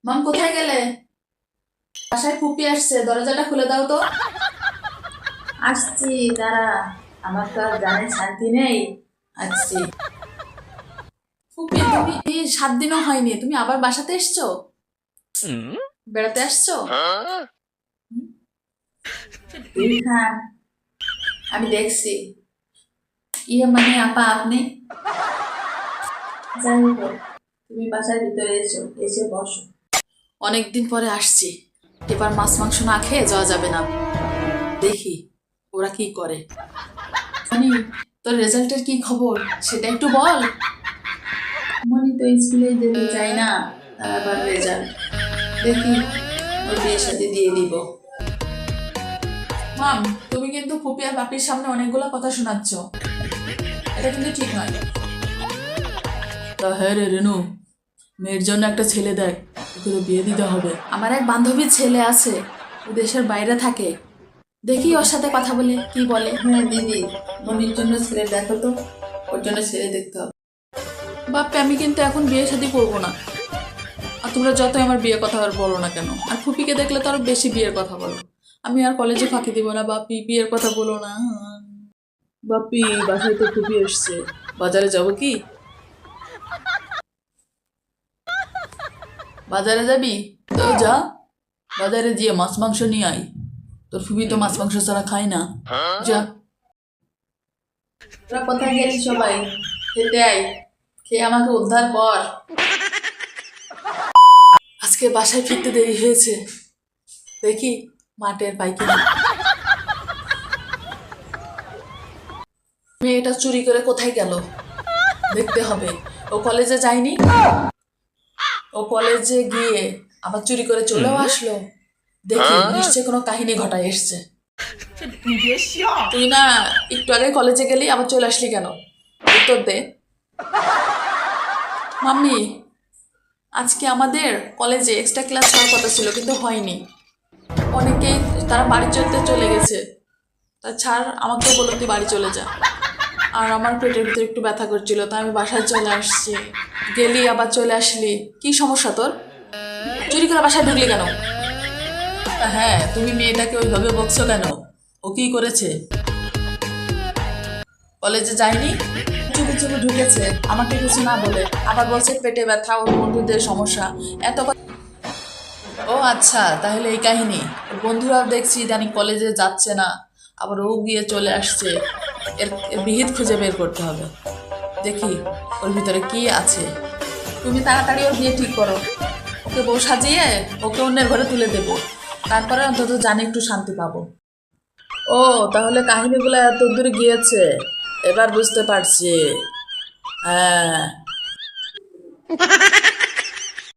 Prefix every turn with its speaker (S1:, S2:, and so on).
S1: মাম কোথায় গেলে? বাসায় ফুপি আসছে, দরজাটা খুলে দাও তো। আসছি, দাঁড়া। আমার তো আর জানে শান্তি নেই। আসছি। ফুপি তুমি 7 দিনও হয়নি, তুমি আবার বাসাতে এসছো? বেড়াতে আসছো? ইরফান, আমি দেখছি। মানে আপা আপনি যাই হোক, তুমি বাসার ভিতরে এসো, এসে বসো। অনেকদিন পরে আসছি, এবার মাছ মাংস না খেয়ে যাওয়া যাবে না। দেখি ওরা কি করে। মনি, তোর রেজাল্টের কি খবর সেটা একটু বল। মনি তো স্কুলে যেতে চাই না, তার আবার রেজাল্ট। দেখি ওর বিয়ের সাথে দিয়ে দিব। মাম, তুমি কিন্তু ফুপি আর বাপির সামনে অনেকগুলো কথা শোনাচ্ছ, এটা কিন্তু ঠিক নয়। তা হ্যাঁ রে রেনু, মেয়ের জন্য একটা ছেলে দেখ, ওকে তো বিয়ে দিতে হবে। আমার এক বান্ধবীর ছেলে আছে, ও দেশের বাইরে থাকে, দেখি ওর সাথে কথা বলে কি বলে। হ্যাঁ দিদি, মনির জন্য ছেলে দেখো তো, ওর জন্য ছেলে দেখতে হবে। বাপ্পে, আমি কিন্তু এখন বিয়ে শাদী করবো না। আর তোমরা যতই আমার বিয়ের কথা আর বলো না কেন, আর ফুপিকে দেখলে তো আরো বেশি বিয়ের কথা বলো। আমি আর কলেজে ফাঁকি দিব না। বাপি, বিয়ের কথা বলো না। বাপি, বাসায় তো ফুপি এসছে, বাজারে যাব কি? বাজারে যাবি? তো যা, বাজারে গিয়ে মাছ মাংস নিয়ে আয়। তোর ফুপি তো মাছ মাংস ছাড়া খায় না। যা। তোরা কোথায় গেলি সবাই? খেতে আয়, খেয়ে আমাকে উদ্ধার কর। আজকে বাসায় ফিরতে দেরি হয়েছে, দেখি মাঠের পাইকারি। মেয়েটা চুরি করে কোথায় গেল দেখতে হবে। ও কলেজে যায়নি, ও কলেজে গিয়ে আবার চুরি করে চলেও আসলো। দেখি নিশ্চয় কোনো কাহিনী ঘটায় এসছে। তুই না একটু আগে কলেজে গেলি, আবার চলে আসলি কেন? উত্তর দে। মাম্মি, আজকে আমাদের কলেজে এক্সট্রা ক্লাস হওয়ার কথা ছিল কিন্তু হয়নি। অনেকেই তারা বাড়ি চলে গেছে। তা ছাড়, আমাকে বললো তুই বাড়ি চলে যা। আর আমার পেটের ভিতরে একটু ব্যথা করছিল, তাই আমি বাসায় চলে আসছি। গেলি আবার চলে আসলি, কি সমস্যা তোর? চুরি করে বাসায় ঢুকলি কেন? হ্যাঁ, তুমি মেয়েটাকে ওইভাবে বকছো কেন? ও কি করেছে? কলেজে যায়নি, চুপি চুপি ঢুকেছে, আমাকে কিছু না বলে। আবার বলছে পেটে ব্যথা, ওর বন্ধুদের সমস্যা, এত কথা। ও আচ্ছা, তাহলে এই কাহিনী। ওর বন্ধুরাও দেখছি ইদানিং কলেজে যাচ্ছে না, আবার ও গিয়ে চলে আসছে। এর বিহিত খুঁজে বের করতে হবে। দেখি ওর ভিতরে কি আছে। তুমি তাড়াতাড়ি ওর বিয়ে ঠিক করো, ওকে বউ সাজিয়ে ওকে অন্যের ঘরে তুলে দেবো, তারপরে অন্তত জানি একটু শান্তি পাবো। ও, তাহলে কাহিনীগুলো এত দূরে গিয়েছে, এবার বুঝতে পারছি। হ্যাঁ।